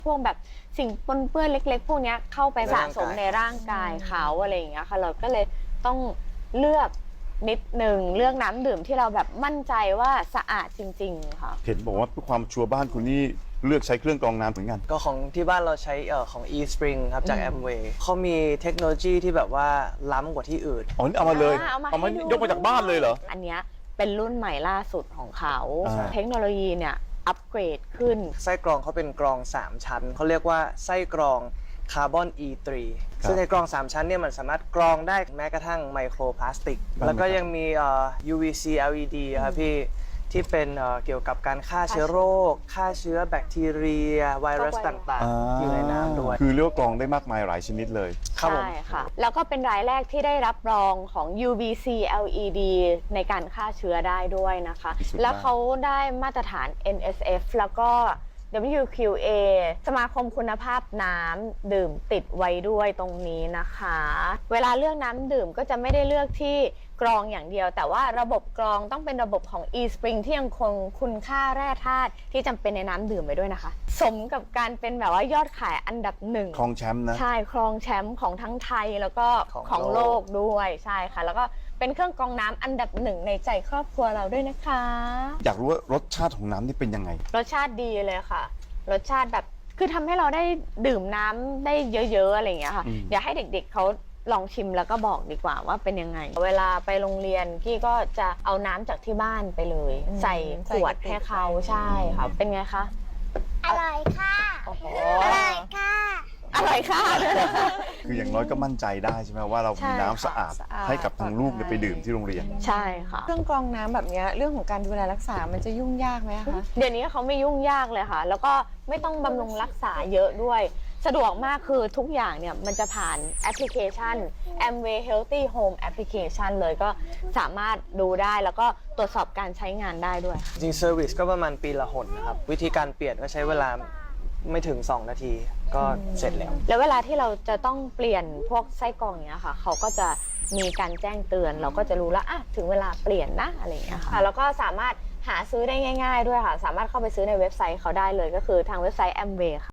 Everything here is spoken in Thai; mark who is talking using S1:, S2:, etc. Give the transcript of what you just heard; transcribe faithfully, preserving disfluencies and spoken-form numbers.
S1: พวกแบบสิ่งปนเปื้อนเล็กๆพวกนี้เข้าไปสะสมในร่างกายเขาอะไรอย่างเงี้ยค่ะเราก็เลยต้องเลือกนิดหนึ่งเลือกน้ำดื่มที่เราแบบมั่นใจว่าสะอาดจริงๆค่ะ
S2: เห็นบอกว่าเพื่อความชัวร์บ้านคุณนี่เลือกใช้เครื่องกรองน้ำเหมือนกัน
S3: ก็ของที่บ้านเราใช้เอ่อของ eSpring ครับจาก Amway เขามีเทคโนโลยีที่แบบว่าล้ำกว่าที่อื่น
S2: อ๋อนี่เอามาเลย
S1: เอามา
S2: เอามายกมาจากบ้านเลยเหรอ
S1: อันเนี้ยเป็นรุ่นใหม่ล่าสุดของเขา
S2: อ่า
S1: เทคโนโลยีเนี่ยอัปเกรดขึ้น
S3: ไส้กรองเขาเป็นกรองสามชั้นเขาเรียกว่าไส้กรองคาร์บอน อี ทรี ซึ่งในกรองสามชั้นเนี่ยมันสามารถกรองได้แม้กระทั่งไมโครพลาสติกแล้วก็ยังมีเอ่อ ยู วี ซี แอล อี ดี ครับพี่ที่เป็นเอ่อเกี่ยวกับการฆ่าเชื้อโรคฆ่าเชื้อแบคทีเรียไวรัสต่างๆอยู่ในน้ำด้วย
S2: คือเรียกว่ากรองได้มากมายหลายชนิดเลย
S3: ครับผม
S1: ใช่ค่ะแล้วก็เป็นรายแรกที่ได้รับรองของ ยู วี ซี แอล อี ดี ในการฆ่าเชื้อได้ด้วยนะคะแล้วเขาได้มาตรฐาน เอ็น เอส เอฟ แล้วก็ ดับเบิลยู คิว เอ สมาคมคุณภาพน้ำดื่มติดไว้ด้วยตรงนี้นะคะเวลาเลือกน้ำดื่มก็จะไม่ได้เลือกที่กรองอย่างเดียวแต่ว่าระบบกรองต้องเป็นระบบของ eSpring ที่ยังคงคุณค่าแร่ธาตุที่จำเป็นในน้ำดื่มไว้ด้วยนะคะสมกับการเป็นแบบว่ายอดขายอันดับหนึ่ง
S2: ครองแชมป์นะ
S1: ใช่ครองแชมป์ของทั้งไทยแล้วก็
S3: ของ
S1: ของโล
S3: โล
S1: ก
S3: ก
S1: ด้วยใช่ค่ะแล้วก็เป็นเครื่องกรองน้ำอันดับหนึ่งในใจครอบครัวเราด้วยนะคะ
S2: อยากรู้ว่ารสชาติของน้ำนี่เป็นยังไง
S1: รสชาติดีเลยค่ะรสชาติแบบคือทำให้เราได้ดื่มน้ำได้เยอะๆอะไรอย่างเงี้ยค่ะเดี๋ยวให้เด็กๆเขาลองชิมแล้วก็บอกดีกว่าว่าเป็นยังไงเวลาไปโรงเรียนกี้ก็จะเอาน้ำจากที่บ้านไปเลย ใส่ขวดให้เขาใช่ค่ะเป็นไงคะ
S4: อร่อยค่ะ
S1: โอ้โห
S4: อร่อยค่ะ
S1: อร่อยค่ะ
S2: คืออย่างน้อยก็มั่นใจได้ใช่ไหมว่าเรามีน้ำสะอาด
S1: สะอาด
S2: ให้กับทางลูกเนี่ยไปดื่มที่โรงเรียน
S1: ใช่ค่ะ
S5: เครื่องกรองน้ำแบบนี้เรื่องของการดูแลรักษามันจะยุ่งยากไหมคะ
S1: เดี๋ยวนี้เขาไม่ยุ่งยากเลยค่ะ แล้วก็ไม่ต้องบำรุงรักษาเยอะด้วย สะดวกมากคือทุกอย่างเนี่ยมันจะผ่านแอปพลิเคชัน Amway Healthy Home Application เลยก็สามารถดูได้แล้วก็ตรวจสอบการใช้งานได้ด้วย
S3: จริงเซอร์วิสก็ประมาณปีละหนนะครับวิธีการเปลี่ยนก็ใช้เวลาไม่ถึงสองนาทีก็เสร็จแล้ว
S1: แล้วเวลาที่เราจะต้องเปลี่ยนพวกไส้กรองเนี้ยค่ะเขาก็จะมีการแจ้งเตือนเราก็จะรู้แล้วอ่ะถึงเวลาเปลี่ยนนะอะไรอย่างเงี้ยค่ะแล้วก็สามารถหาซื้อได้ง่ายๆด้วยค่ะสามารถเข้าไปซื้อในเว็บไซต์เขาได้เลยก็คือทางเว็บไซต์ Amway ค่ะ